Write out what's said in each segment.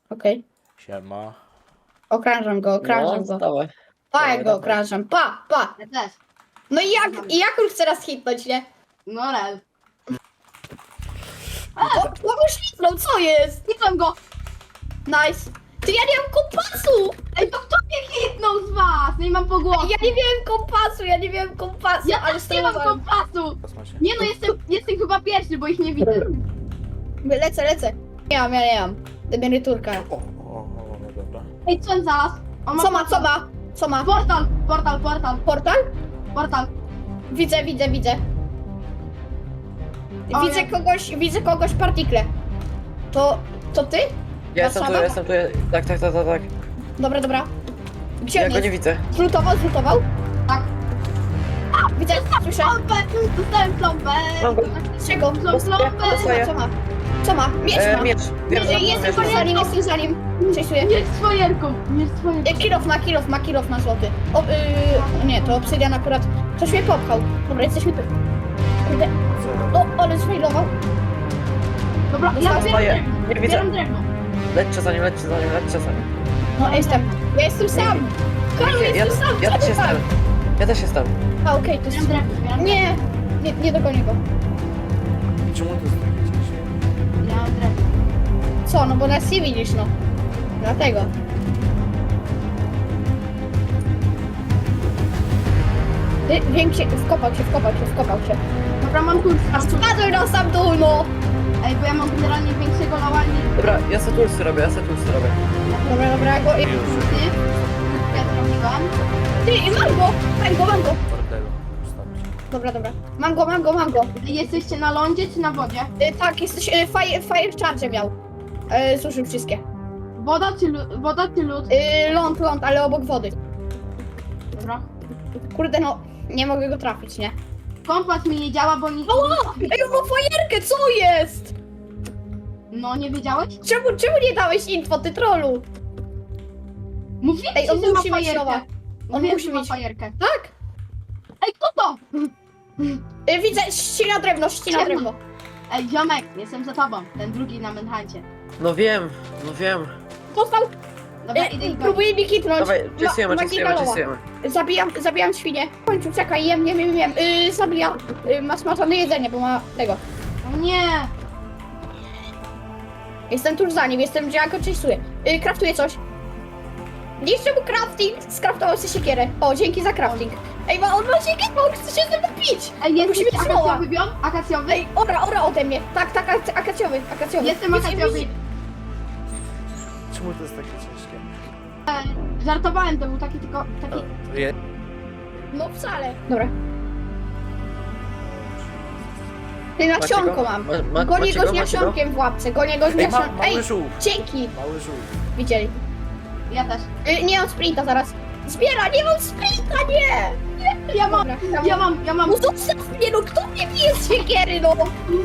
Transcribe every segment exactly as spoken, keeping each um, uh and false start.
Okej. Siema. Okrążam go, okrążam No, go. dawaj. Pa, dawaj, jak go dawaj. okrążam, pa, pa. Ja też. No i jak, i jak już teraz hitnąć, nie? No rel. O, kogoś hitnął, co jest? Hitłem go! Nice. Ty, ja nie mam kompasu! Ej, to kto mnie hitnął z was? Nie mam po głowie. Ja nie miałem kompasu, ja nie miałem kompasu, Ja ale też nie mam sterowałem. kompasu! Kosmosie. Nie no, jestem, jestem chyba pierwszy, bo ich nie widzę. Lecę, lecę. Nie mam, ja nie mam. Emeryturka. O, o, o, no dobra. Ej, co on zaraz? On Co ma, portal. co ma? Co ma? Portal, portal, portal, Portal? portal. Widzę, widzę, widzę. O, Widzę ja- kogoś, widzę kogoś partikle. To, to ty? Ja jestem tu, Warszawa? ja jestem tu. Tak, tak, tak, tak, tak. Dobra, dobra. Gdzie Ja on go nie jest? widzę. Zlutował, zlutował? Tak. Widzę, słyszę. Plombę! Dostałem plombę! Mam go. Czego? Plom- Plombę! Dostaję. Co ma? Co ma? Miecz E, ma. miecz. Wiem, Jest- że Jestem miecz. za nim, jestem za nim. Czesuję. Nie z fajerką, nie z fajerką. E, Kilof ma, kilof ma, kilof ma złoty. O, yy, nie, to obsydian akurat. Ktoś mnie popchał. Dobra, jesteśmy tu. Kurde. O, ale zwailował. Dobra, ja Dostaję. zbieram drewno. Nie widzę. Zbieram drewno. Lećcie za nim, lećcie za nim, lećcie za nim. No, jestem. Ja jestem sam. Karol, Ja, ja, jestem sam. ja co też ty tak? jestem. Ja też jestem. A, okej, to Zbieram jest... drewno, zbieram drewno. Nie, nie, nie dogonię go. Czemu to jest takie ciężkie? Ja mam drewno. Co? No bo nas nie widzisz, no. Dlatego. Ty, większy, wkopał się, wkopał się, wkopał się. Dobra, mam kurs. A spadł na sam dół, no! Ej, bo ja mam generalnie większego lała niż Dobra, ja se tulsy robię, ja se tulsy robię. Dobra, dobra, go... Już. ty. Ja zrobiłam. Ty, i mam go! Mam go, mam go! Bordelu. Wystarczy. Dobra, dobra. Mam go, mam go, mam go. Jesteście na lądzie czy na wodzie? Y, tak, jesteś... Y, fire, fire charge miał. Y, zużył wszystkie. Woda czy lód? Woda czy lód? Y, ląd, ląd, ale obok wody. Dobra. Kurde, no... Nie mogę go trafić, nie? Kompas mi nie działa, bo nie... O! Ej, on ma fajerkę, co jest? No, nie wiedziałeś? Czemu, czemu nie dałeś info, ty trollu? Mówiłem Ej, ci, on że ma musi mieć nowa. fajerkę. On Mówiłem, musi że ma mieć. fajerkę. Tak? Ej, kto to? Y, widzę, ścina drewno, ścina Siema. drewno. Ej, ziomek, jestem za tobą. Ten drugi na Manhuncie. No wiem, no wiem. Dostał. Dobra, Y, idę i go. próbuję mi hitnąć. Dawaj, Ma- czysujemy, magika czysujemy, loa. czysujemy. Zabijam, zabijam świnię. W końcu, czekaj, jem, jem, jem, jem. Yy, zabijam. Yy, ma smażone jedzenie, bo ma tego. O nie! Jestem tuż za nim, jestem, że ja go czystuję. Yy, kraftuję coś. Niszczę mu crafting, skraftował sobie siekierę. O, dzięki za crafting. Ej, ma, on ma siekierę, on chce się ze mną pić. Ej, jest Musi jakiś mieć smoła. akacjowy biom? Akacjowy? Ej, ora, ora ode mnie. Tak, tak, ak- akacjowy, akacjowy. Jestem Widzi- akacjowy. widzi- Czemu to jest takie ciężkie? Ej, żartowałem, to był taki tylko... taki... O, je... No wcale. Dobra. Ty nasionko go? mam. Ma- ma- Gonię macie go go? z Macie go? nasionkiem w łapce, gonię go z Ej, ma, nasionkiem. mały Ej, żółw. dzięki. Mały żółw. Widzieli. Ja też. Y, nie mam sprinta zaraz. Zbiera, nie mam sprinta, nie! Ja mam, Dobra, tam- ja mam, ja mam... No zostaw mnie, no kto mnie bije z siekiery, no?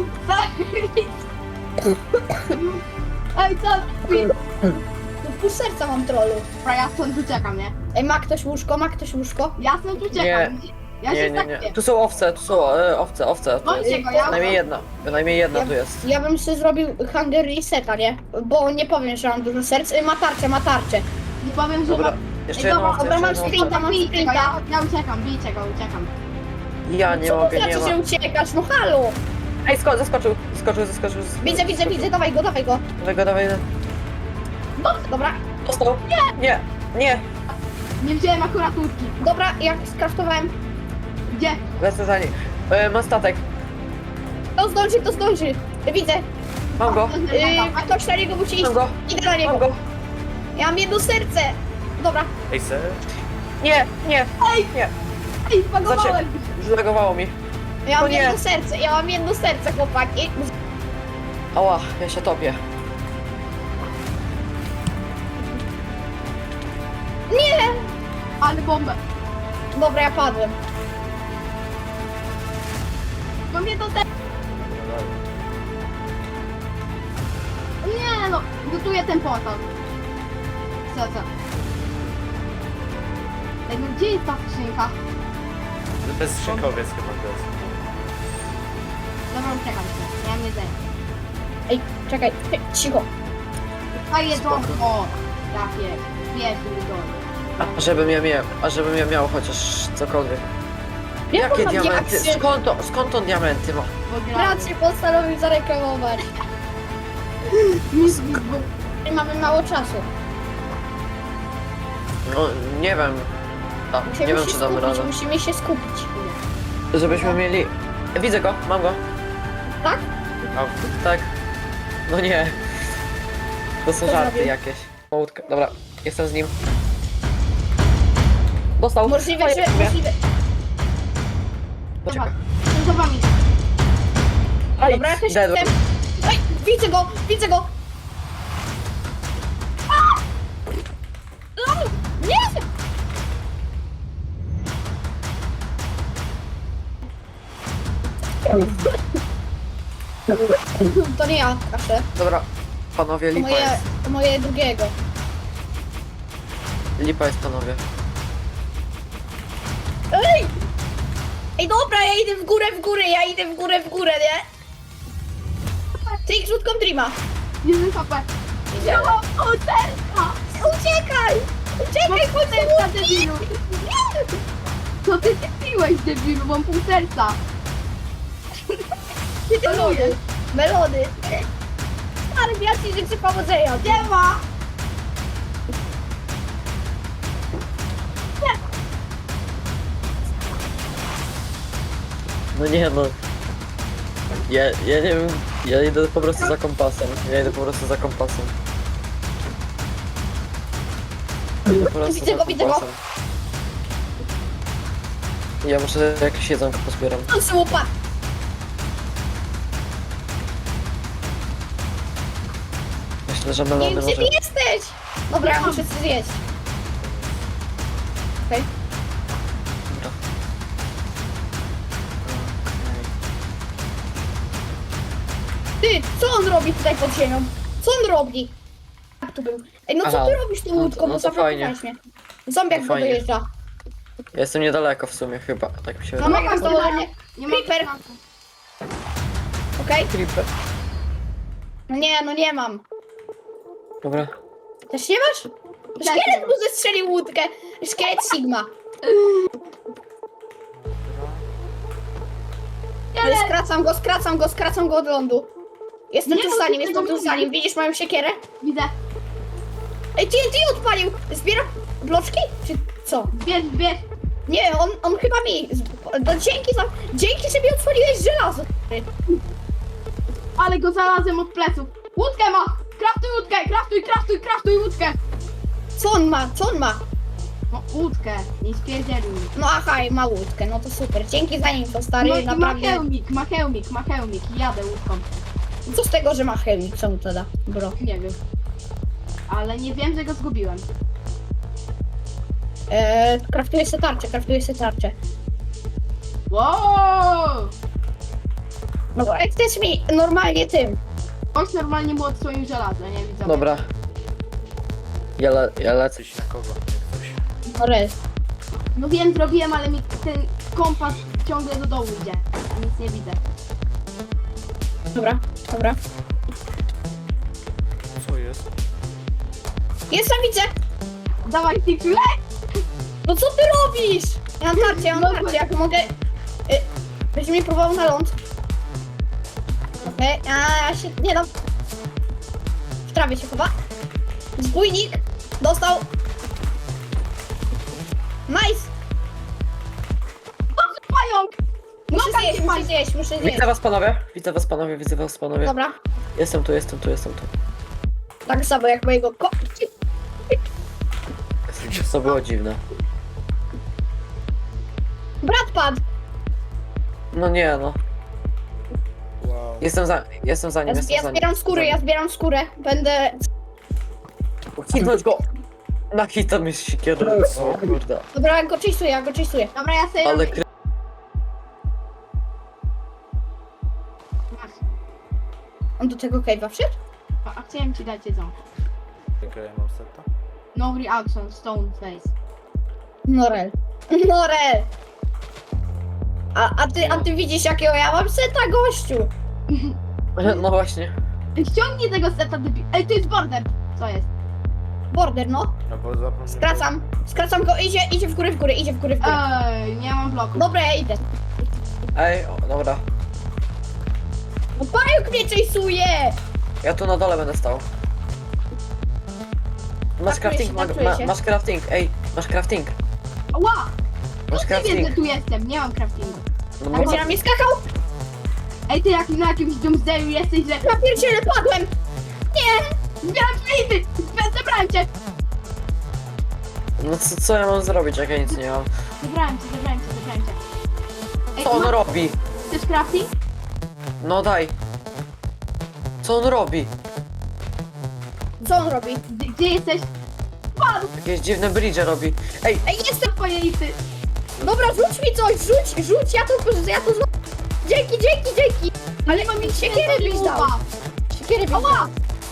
Ej, co? No pół serca mam trollu. Dobra, ja stąd uciekam, nie? Ej, ma ktoś łóżko, ma ktoś łóżko? Ja stąd uciekam. Ja Nie, się nie, tak nie. wiem. Tu są owce, tu są e, owce, owce. Tu Bądźcie jest go, ja... najmniej jedna, najmniej jedna Ja- tu jest. Ja bym sobie zrobił hunger reseta, nie? Bo nie powiem, że mam dużo serc. Y, ma tarczę, ma tarczę. Nie powiem, że... Dobra, mam- jeszcze Ej, jedną dobra, owcę, dobra, mam jeszcze jedną sprinta, owcę. mam Bijcie go, sprinta. ja, ja uciekam, bijcie go, uciekam. Ja nie Co to mogę, nie znaczy, ma. że uciekasz? No halo! Ej, sko zaskoczył, zaskoczył, zaskoczył. zaskoczył. Widzę, widzę, widzę, dawaj go, dawaj go. Dawaj go, dawaj. Dobra, Dostał. Nie, nie, nie. Nie wziąłem akurat łódki. dobra, jak skraftowałem. Gdzie? Lecę za nim. E, mam statek. To zdąży, to zdąży. Widzę. Mam go, Yy, ktoś na niego musi iść. mam go, Idę na niego. mam go. Ja mam jedno serce. Dobra. Ej, ser? Nie, nie, Ej, nie. ej, spagowałem. Zlagowało mi. Ja O mam nie. jedno serce, ja mam jedno serce, chłopaki. Ała, ja się topię. Nie! Ale bombę. Dobra, ja padłem. Bo mnie to te... Nie no, gotuję ten portal. Co, co? Ej, no gdzie jest ta skrzynka? Bez szynkowiec chyba to jest. Dobra, uciekam się. Ja mam jedzenie. Ej, czekaj, Ej, cicho. A jedzonko! Takie, pierdolę. A żebym ja miał, a żebym ja miał chociaż cokolwiek. Jakie mam diamenty? diaksy? Skąd, to, skąd on diamenty ma? Rację postanowił zareklamować. Mamy mało czasu. No nie wiem. A, Musimy nie wiem się czy damy skupić, radę. musimy się skupić. Żebyśmy mieli... Widzę go, mam go. Tak? A, Tak. No nie. To są Co żarty zrobił? jakieś. Łódka. Dobra, jestem z nim. Dostał. Możliwe, Oj, że... nie. Możliwe... Poczekaj. Jestem za wami. Aj, Dobra, ja też dedłem. jestem. Ej, widzę go, widzę go. A! No, nie! To nie ja, proszę. Dobra, panowie, To lipa moje, jest. to moje drugiego. Lipa jest, panowie. Ej! Ej, dobra, ja idę w górę, w górę, ja idę w górę, w górę, nie? Trik rzutką Dreama. Jeden H P. Idziemy. O, serca! Uciekaj! Uciekaj, chodź Serca, do debilu! Co ty piłeś, debilu? Mam pół serca. Ty Melody. celujesz. Melody. Stary, ja ci życzę powodzenia. Nie ma! No nie no. Ja, ja nie wiem, ja idę po prostu za kompasem. Ja idę po prostu za kompasem. Idę po prostu Widzę za go, widzę go. kompasem. Ja muszę jakieś jedzonko pozbieram. On słupa. Myślę, że Nie melony wiem, może... gdzie ty jesteś. Dobra, ja muszę coś zjeść. Okej. Dobra. Ty, co on robi tutaj pod ziemią? Co on robi? Jak tu był? Ej, no co Aha. ty robisz tą No to- łódką? no Bo to fajnie. zablokowałeś mnie. Zombiak To go fajnie. dojeżdża. Ja jestem niedaleko w sumie chyba, tak mi się No wydaje. Zombiak mogę nas dołoży mnie. Nie ma Creeper. Okej? Creeper. No nie, no nie mam. Dobra. Też nie masz? Szkielet mu zestrzelił łódkę. Szkielet Sigma. Ale skracam go, skracam go, skracam go od lądu. Jestem Nie, tu no za ty nim, jestem tego tu nie za nim. widzisz. Widzisz moją siekierę? Widzę. Ej, T N T odpalił! Zbieram bloczki? Czy co? Bierz, bierz. Nie, on, on chyba mi... z- No, dzięki za... Dzięki, że mi otworzyłeś żelazo. Ale go znalazłem od pleców. Łódkę ma! Kraftuj łódkę! Kraftuj, kraftuj, kraftuj łódkę! Co on ma? Co on ma? No łódkę, nie spierdzielił mi. No aha, ma łódkę, no to super. Dzięki za nim, to stary, No i ma naprawdę... hełmik, ma hełmik, ma hełmik. Jadę łódką. Co z tego, że ma chemik? Co mu to da, bro? Nie wiem. Ale nie wiem, że go zgubiłem. Eee, kraftuję se tarczę, kraftuję se tarczę. Wow! No bo jak chcesz mi normalnie tym... Ktoś normalnie mu odsłonił żelazo, nie widzę. Dobra. Ja, le, ja lecę. coś na kogo, jak coś. No res. No wiem, zrobiłem, ale mi ten kompas ciągle do dołu idzie. Nic nie widzę. Dobra, dobra. Co jest? Jestem, widzę! Dawaj, Tiksu, leć! No co ty robisz? Ja mam tarczę, ja mam tarczę, jak mogę... Y, Będzie mnie próbował na ląd. Okej, a ja się nie dam. W trawie się chowa. Zbójnik. Dostał. Nice. Dobrze, pająk! Muszę No, zjeść, taki muszę fajny. zjeść, muszę zjeść. Widzę was panowie, widzę was panowie, widzę was panowie. Dobra, Jestem tu, jestem tu, jestem tu. tak samo jak mojego ko... To było dziwne. Brat padł. No nie no. Wow. Jestem za, jestem za nim, Ja, jestem ja za nim. zbieram skóry, ja zbieram skórę. Będę... Hitnąć go! Na hita mi siekierę. O kurde. Dobra, ja go czystuję, ja go czystuję. Dobra, ja sobie Ale robię. kry... Masz. On do tego cave'a wszedł? A, a chciałem ci dać jedzonko. Jakie ja mam seta? No reaction, stone face. Norel. Norel. A, a, ty, a ty widzisz jakiego ja mam seta, gościu? No właśnie. Ściągnij tego seta, debil. Ej, to jest border. Co jest? Border, no. No bo zapomniałem. Skracam. Skracam go, idzie, idzie w górę, w górę, idzie w górę, w górę. Ej, nie mam bloku. Dobra, ja idę. Ej, o, dobra. No pająk mnie chase'uje! Ja tu na dole będę stał. Masz Traktuję crafting, się, ma, traktuję ma, się. masz crafting, ej, masz crafting. Ła! Masz No ty wiesz, że crafting. tu jestem, nie mam craftingu. No, A no, będzie na mnie skakał? Ej, ty jak na jakimś doomsdayu jesteś, że... Ja pierdzielę, padłem! Nie! Zbieram plity! Zebrałem cię! no co, co ja mam zrobić, jak ja nic nie mam? Zebrałem cię, zebrałem cię, zebrałem cię. Ej, Co on ma- robi? Chcesz crafting? No daj. Co on robi? Co on robi? Gdzie, gdzie jesteś? Padł! Jakieś dziwne bridge robi. Ej, Ej, jestem! Twoje ity! Dobra, rzuć mi coś, rzuć, rzuć, ja to, ja to złapę. Dzięki, dzięki, dzięki! Ale mam mi siekierę byś dał! Siekierę byś dał! Ała!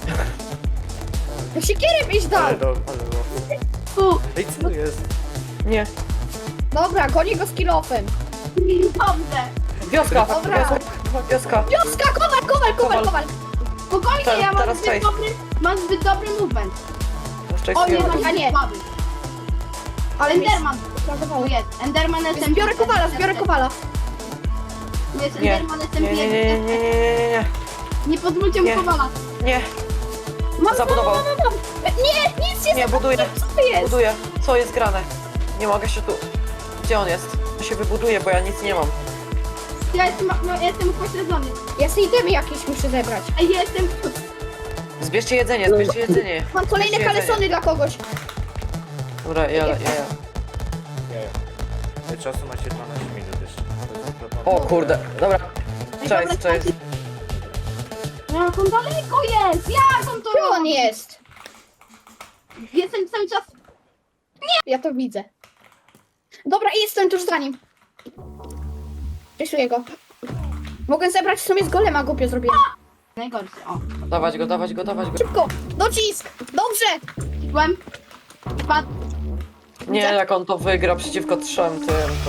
No siekierę byś dał! Ale do, ale do. Tu! Ej, co jest? nie. Dobra, gonię go z kilofem. Dobrze! Wioska, Dobra. wioska, wioska. Wioska, kowal, kowal, kowal, kowal! Spokojnie, Teraz- ja mam teraz zbyt face. dobry... Mam zbyt dobry movement. Jeszcze O nie, jest mam Ja nie. zbyt słaby. Ale mi Enderman! sprawowało. Tu jest. Enderman S M P. Zbiorę kowala, zbiorę kowala. Tu jest Nie, Enderman S nie, M P. nie, nie, nie, nie, nie, nie, Nie pozwólcie mu Nie. kowala. nie, Mam, Zabudował. mam, mam, mam. Nie, nic nie nie, buduję, Co to jest? buduję. Co jest grane? Nie mogę się tu... Gdzie on jest? Ja się wybuduję, bo ja nic nie mam. Ja jestem, no, ja jestem upośledzony. Ja sobie itemy jakieś muszę zebrać. Ej, ja jestem... Zbierzcie jedzenie, zbierzcie jedzenie. Mam kolejne Zbierzcie jedzenie. kalesony dla kogoś. Dobra, ja, ja, ja. Nie. Ej, czasu macie dwanaście minut jeszcze. To jest zapomniane. O kurde, dobra. Ej, Cześć, dobra, cześć. Jak on daleko jest? Jak on to Gdzie on robi? jest? Jestem cały czas... Ja to widzę. Dobra, i jestem tuż za nim. Rysuję go. Mogę zebrać w sumie z golema, głupio zrobiłem. Najgorszy, o. Dawać go, dawać go, dawać go. Szybko, docisk! Dobrze! Byłem... Padł. Nie, jak on to wygra przeciwko trzem tym, to...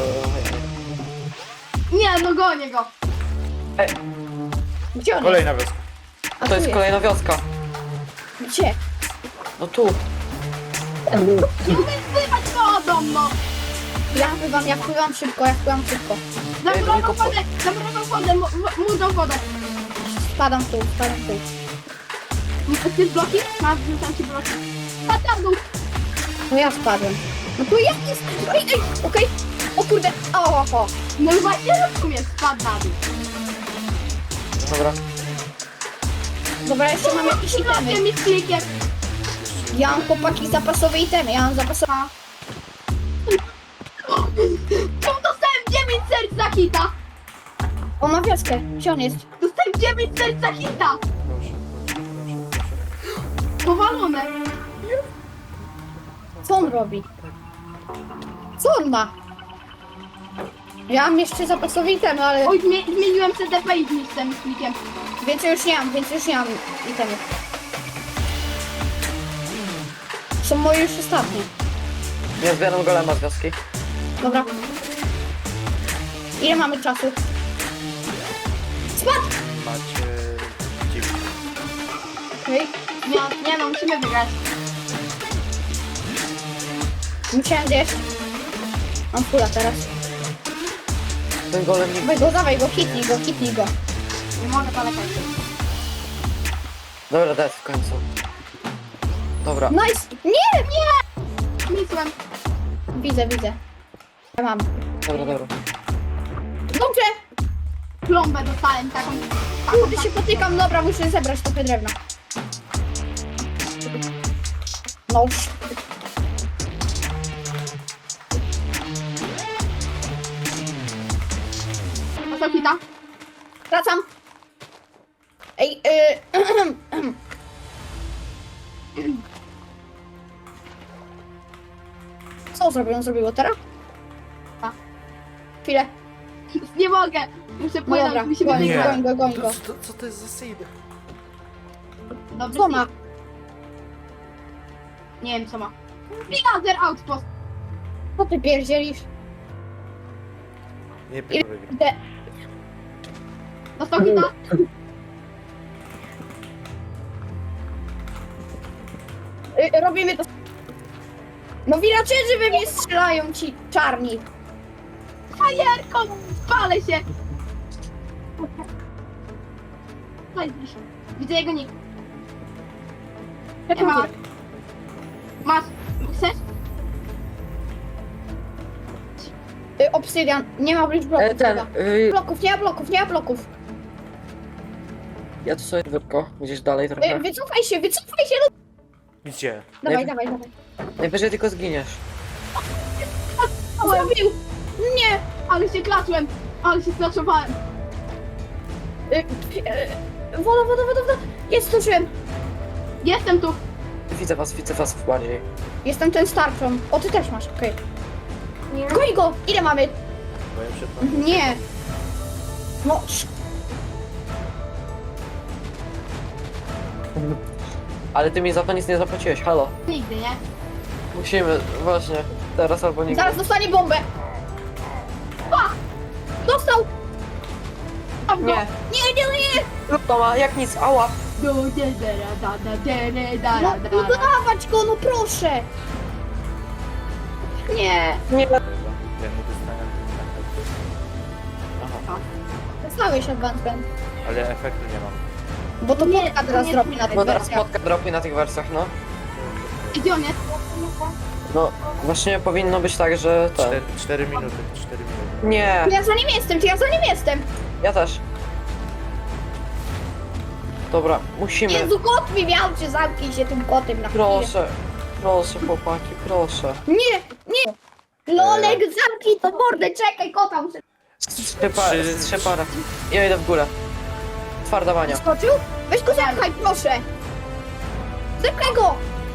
Nie, no gonię go. Ej, Gdzie on Kolejna wioska. jest? A to jest tu kolejna wioska. Gdzie? No tu. Nie umiem spływać wodą, no. Ja pływam, ja pływam szybko, ja pływam szybko. Zamurował tylko po- wodę, zamurował wodę, mu- mu dał wodę. Spadam tu, spadam tu. Chcesz bloki? Masz, wrzucam ci bloki. Padł na dół. No ja spadłem. No tu jak jest? Ej, ej, okej. O kurde, o, o, o. No i właśnie rozumiesz, spadł na dół. Dobra. Dobra, jeszcze mam jakieś itemy. Blokiem i z klikiem. Ja mam chłopaki zapasowe itemy, ja mam zapasowe... Czemu dostałem dziewięć serc za hita? On ma wioskę, gdzie on jest? Dostałem dziewięć serc za hita. Proszę, proszę, proszę, proszę. Powalone. Co on robi? Co on ma? Ja mam jeszcze zapasowe itemy, ale Oj, zmie- zmieniłem C D P i z tym klikiem. więcej już nie mam, więcej już nie mam itemów. Są moje już ostatnie. Ja zbieram golema z wioski. Dobra. Ile mamy czasu? Spadł! Macie... dziwne. Okej. Nie, nie no, musimy wygrać. Musiałem zjeść. Mam pula teraz. Ten golem nie... Dawaj go, dawaj go, hitnij go, hitnij go. Nie mogę polegać. Dobra, dead w końcu. Dobra. Nice! Nie, nie! Misłem. Widzę, widzę. Ja mam. Dobra, dobra. Dobrze! Plombę dostałem taką. Kurde, się potykam, dobra, muszę zebrać trochę drewna. No już. Dostał hita. Wracam. Ej, y... Co zrobił? On zrobił teraz? A. Chwilę. Nie mogę. Muszę No płynąć, dobra, musimy goń, wygrać. goń go, goń go. Co, co to jest za seed? Dobry Co ma? hit. Nie wiem co ma. Laser outpost. Co ty pierdzielisz? Nie wiem, wygra. Idę. Dostał hita. Y, robimy to. No villagerzy we mnie strzelają ci czarni. Fajerką! Spalę się! Chodź, Zbysiu. Widzę jego nick. Nie ma. Masz. Chcesz? Y, obsydian. Nie ma bridge bloków. E, ten, chyba. y, Bloków, nie ma bloków, nie ma bloków. ja tu sobie wypko, gdzieś dalej trochę. Y, wycofaj się, wycofaj się. No. Gdzie? Dawaj, Nie- dawaj, dawaj. Najwyżej tylko zginiesz. Zrobił. Nie. Ale się klaczłem! Ale się sklaczowałem! Y, y, y, woda, woda, woda, woda. Jest, zdążyłem. Jestem tu! Widzę was, widzę was bardziej. Jestem ten starczą. O, ty też masz, okej. Goń go! Ile mamy? Bo ja przed wami. Nie. No, sz- Ale ty mi za to nic nie zapłaciłeś, halo. Nigdy, nie? Musimy, właśnie, teraz albo nigdy. zaraz dostanie bombę. A! Dostał! Mam go! Nie, Nie, nie, nie! trudno ma, jak nic, ała. Do dedera, da, da, dere, da, No, da, no da. dawać go, no proszę! Nie. Nie, Ja nie dostałem. Aha, Dostałeś advancement. ale efektu nie mam. Bo to Nie, Polka to teraz nie- zrobi na tych bo teraz wersjach. spotka dropi na tych wersjach, no. Gdzie on jest? No, właśnie powinno być tak, że ten. Cztery, cztery minuty, cztery minuty. Nie, To ja za nim jestem, to ja za nim jestem. ja też. Dobra, musimy. Jezu, kot mi miał, czy zamknij się tym kotem na chwilę. Proszę, proszę chłopaki, proszę. Nie, nie. Lolek, zamknij to mordę, czekaj, kota muszę... Strzepa, Trzy- strzepara. Ja idę w górę. Twarda bania. Skoczył? Weź go zepchaj, proszę. Zepchaj go.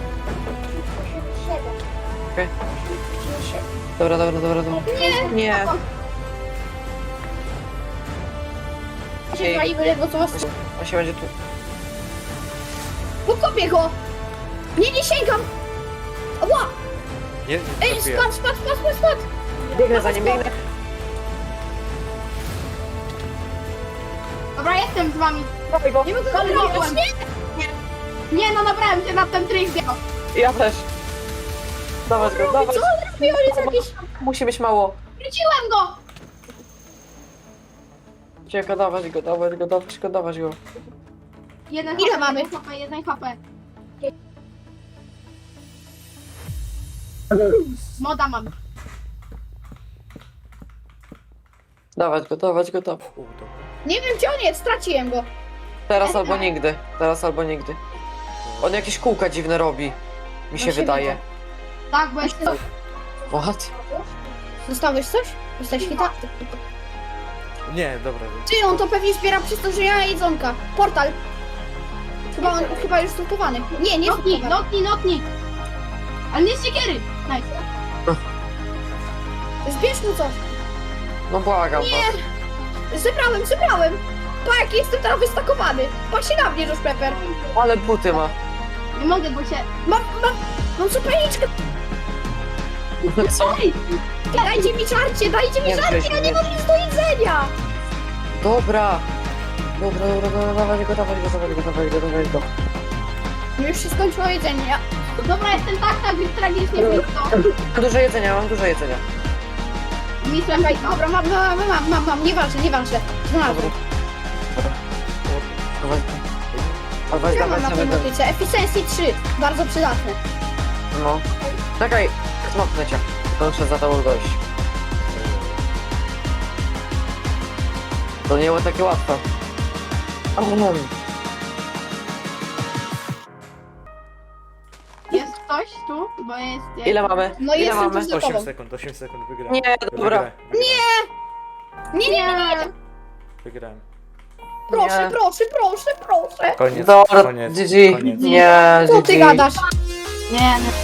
Okej. Dobra, dobra, dobra, dobra. Nie. Nie. Się waliły ledwo co was... On się będzie tu. Pokopię go. Nie, nie sięgam. Ła. Nie, nie Ej, trafiłem. spadł, spadł, spadł, spadł, spadł. Biegnę za nim, biegnę. Dobra, jestem z wami. Dawaj go. Nie mogę go Ale zrobić, mogłem. nie. Nie no, nabrałem się na ten trik. biego. Ja też. Dawać go, Co dawać. on robi? On jest jakiś... Musi być mało. Wróciłem go! Cieko, dawać go, dawać go, dawać go, dawać go. Jeden Ile H P, mamy? jeden H P, jeden H P. Moda mam. Dawać go, dawać go, dawać. U, dobra. Nie wiem gdzie on jest, straciłem go. Teraz albo nigdy. Teraz albo nigdy. On jakieś kółka dziwne robi. Mi się Właśnie wydaje. widzę. Tak, bo jest... What? Dostałeś coś? Jesteś hita? Nie, dobra. Ty, on to pewnie zbiera przez to, że ja mam jedzonka. Portal. Chyba on, chyba już stopowany. Nie, nie Notni, stopowany. notni, notni! Ale nie z siekiery! Nice. Zbierz mu coś. No błagam Nie. was. Zebrałem, zebrałem. Pa, jaki jestem teraz wystakowany. Pa się na mnie, Josh Pepper. Ale buty ma. Nie mogę, bo się... Mam, mam, mam zapalniczkę. Co? Ej! Dajcie mi żarcie, dajcie mi Nie, żarcie, Grześ, ja nie nie. mam nic do jedzenia. Dobra. Dobra, dobra, dobra, dawać go, dawać go, dawać go, dawać go, dawać go. Już się skończyło jedzenie. Ja... Dobra, jestem tak, tak tragicznie blisko. Mam dużo jedzenia, mam dużo jedzenia. Mistrzem Czekaj, blisko. dobra, mam, mam, mam, mam, mam, mam, nieważne, nieważne. Znalazłem. Dobra. Dawaj go. Dawaj, Ja mam dawaj, na tej dawaj. motyce. Efficiency trzy. Bardzo przydatne. No. Czekaj, smoknę cię. To muszę za to dojść. To nie było takie łatwe. Um. Jest ktoś tu? Bo jest... Ile mamy? No Ile jestem mamy? tu z tobą. osiem sekund, osiem sekund, wygrałem. Nie, dobra. Wygrałem. Nie, nie, nie, nie. Wygrałem. Proszę, Nie. proszę, proszę, proszę. Koniec, Dobra, koniec, G G. koniec. Nie, Co ty G G. gadasz? Nie, nie.